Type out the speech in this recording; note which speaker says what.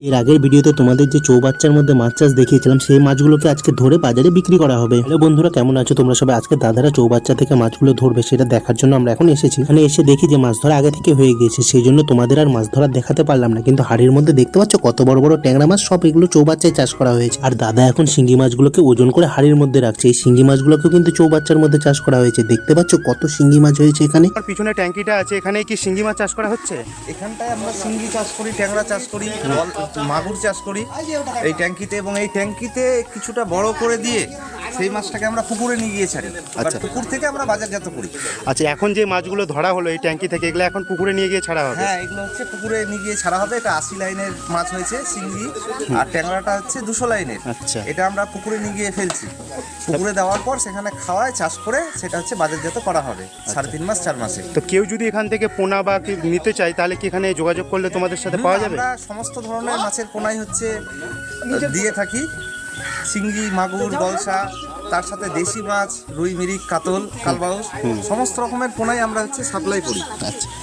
Speaker 1: এর আগের ভিডিওতে তোমাদের যে চৌবাচ্চার মধ্যে মাছ চাষ দেখিয়েছিলাম সেই মাছগুলোকে আজকে ধরে বাজারে বিক্রি করা হবে। হ্যালো বন্ধুরা, কেমন আছো তোমরা সবাই? আজকে দাদারা চৌবাচ্চা থেকে মাছগুলো ধরবে সেটা দেখার জন্য আমরা এখন এসেছি। এখানে এসে দেখি যে মাছ ধরা আগে থেকে হয়ে গিয়েছে, সেই জন্য তোমাদের আর মাছ ধরা দেখাতে পারলাম না। কিন্তু হাড়ির মধ্যে দেখতে পাচ্ছ কত বড় বড় ট্যাংরা মাছ, সব এগুলো চৌবাচ্চায় চাষ করা হয়েছে। আর দাদা এখন শিঙ্গি মাছগুলোকে ওজন করে হাড়ির মধ্যে রাখছে। এই শিঙ্গি মাছগুলোকেও কিন্তু চৌবাচ্চার মধ্যে চাষ করা হয়েছে। দেখতে পাচ্ছ কত শিঙ্গি মাছ হয়েছে এখানে।
Speaker 2: আর পিছনে ট্যাঙ্কিটা আছে, এখানে কি শিঙ্গি মাছ চাষ করা হচ্ছে?
Speaker 3: এখানটায় আমরা শিঙ্গি চাষ করি, ট্যাংরা চাষ করি, মাগুর চাষ করি এই ট্যাঙ্কিতে। এবং এই ট্যাঙ্কিতে কিছুটা বড় করে দিয়ে সেই মাছটাকে আমরা পুকুরে নিয়ে গিয়ে ছাড়ি।
Speaker 2: আচ্ছা।
Speaker 3: পুকুর থেকে আমরা বাজারজাত করি।
Speaker 2: আচ্ছা, এখন যে মাছগুলো ধরা হলো এই ট্যাঙ্কি থেকে, এগুলো এখন পুকুরে নিয়ে গিয়ে ছাড়া হবে?
Speaker 3: হ্যাঁ, এগুলো হচ্ছে পুকুরে নিয়ে গিয়ে ছাড়া হবে। এটা 80 লাইনের মাছ হয়েছে শিঙ্গি, আর ট্যাংরাটা হচ্ছে 200 লাইনের।
Speaker 2: আচ্ছা।
Speaker 3: এটা আমরা পুকুরে নিয়ে গিয়ে ফেলছি। পুকুরে দেওয়ার পর সেখানে খাওয়ায় চাষ করে সেটা হচ্ছে বাজারজাত করা হবে 3.5 মাস 4 মাসে।
Speaker 2: তো কেউ যদি এখান থেকে পোনা বা কি নিতে চায় তাহলে কি এখানে যোগাযোগ করলে তোমাদের সাথে পাওয়া যাবে?
Speaker 3: আমরা সমস্ত ধরনের মাছের পোনাই হচ্ছে দিয়ে থাকি। শিঙ্গি, মাগুর, গলসা, তার সাথে দেশি মাছ, রুই, মিরিক, কাতল, কালবাউস, সমস্ত রকমের পোনাই আমরা হচ্ছে সাপ্লাই করি।
Speaker 2: আচ্ছা,